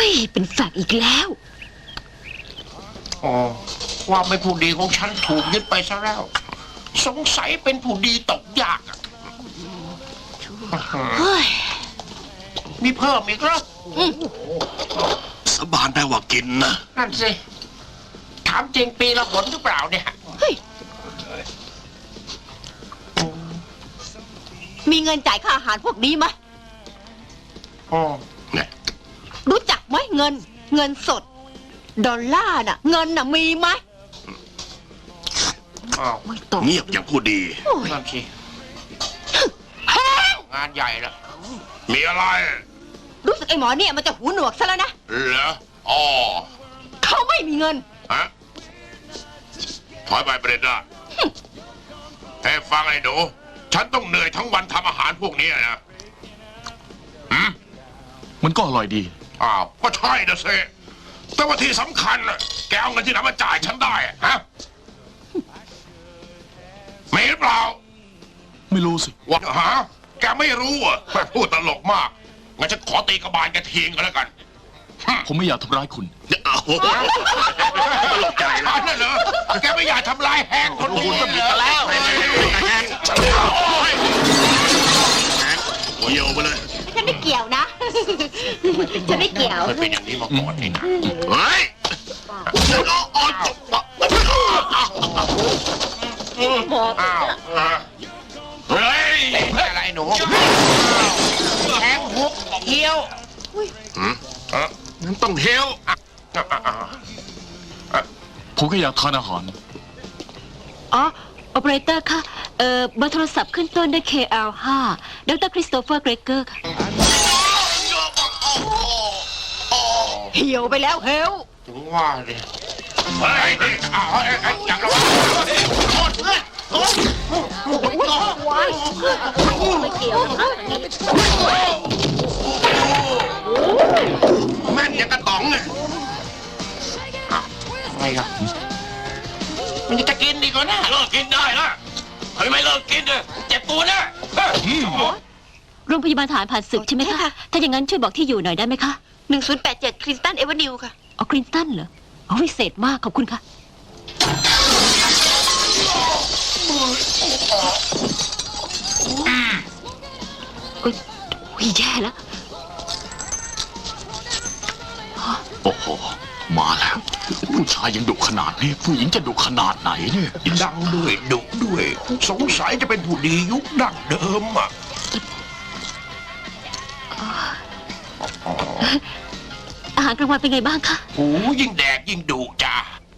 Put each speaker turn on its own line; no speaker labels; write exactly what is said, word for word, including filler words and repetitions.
ยเป็นแฟกอีกแล้ว
อ๋อความไม่ผู้ดีของฉันถูกยึดไปซะแล้วสงสัยเป็นผู้ดีตกยากอ่ะมีเพิ่มอีกแล้ว
สบานแปลว่ากินนะ
นั่นสิถามจริงปีละหนหรือเปล่าเนี่ย
มีเงินจ่ายค่าอาหารพวกนี้ไหม
อ๋อ
รู้จักไหมเงินเงินสดดอลลาร์น่ะเงินน่ะมีไหม
ไม่ตอบ
เงียบอย่างผู้ดี
นั่นสิงานใหญ่ละ
มีอะไร
รู้สึกไอ้หมอเนี่ยมันจะหูหนวกซะแล้วนะ
เหรออ๋อ
เขาไม่มีเงิน
ฮะถอยไปประเด็นได้ให้ฟังไอ้หนูฉันต้องเหนื่อยทั้งวันทำอาหารพวกนี้นะหืม
มันก็อร่อยดี
อ้าวก็ใช่นะเซแต่ว่าที่สำคัญน่ะแกเอาเงินที่ไหนมาจ่ายฉันได้ฮะไม่หรือเปล่า
ไม่รู้สิ
ว่าฮะแกไม่รู้อ่ะพูดตลกมากงั้นฉันขอตีกระบาลแกทิ้งกันแล้วกัน
ผมไม่อยากทำร้ายคุณ
อ้าวตลกใจแล้วนั่นเหรอแกไม่อยากทำลายแฮงคนอื่นแล้วแฮงเกี่ยวไปเลย
ฉันไม่เกี่ยวนะฉันไม่เกี่ยว
มันเป็นอย่างนี้มาก่อนนี่นะ
เฮ้ยอ้าวเฮ้ย
อะไรหนูแทงหุบเที่ยว
นั่นต้องเที่ยว
ผมก็อยากทานอาหาร
อ๋อโอเปอเรเตอร์ค่ะเอ่อเบอร์โทรศัพท์ขึ้นต้นด้วย เค แอล ห้า ดรคริสโตเฟอร์เกรเกอร์ค่ะเหี่ยวไปแล้วเฮล
ถึงว่าเลย
เฮ้ยอ้าวเฮ้ยอยากระวังโทษเพื่อนโทษ
ว้ายไม่เกี่ยวนะ
แม่นอย่างกระต๋องเลย
อะไรครับมันจะกินดีกว่านะ
เลิกกินได้นะเฮ้ยไม่เลิกกินเลยเจ็บตัวนะ
โรงพยาบาลทหารผ่านศึกใช่ไหมคะถ้าอย่างนั้นช่วยบอกที่อยู่หน่อยได้ไหมคะหนึ่งศูนย์แปดเจ็ดคลินตันเอเวอร์นิวค่ะอ๋อคลินตันเหรออ๋อวิเศษมากขอบคุณค่ะโอ้ยแย่แล้ว
โอ้โหมาแล้วผู้ชายยังดุขนาดนี้ผู้หญิงจะดุขนาดไหนเนี่ย
ดังด้วยดุด้วยสงสัยจะเป็นผู้ดียุคดั้งเดิมอ่ะ
อาหารกลางวันเป็นไงบ้างคะ
โอ้ยิ่งแดกยิ่งดุจ้า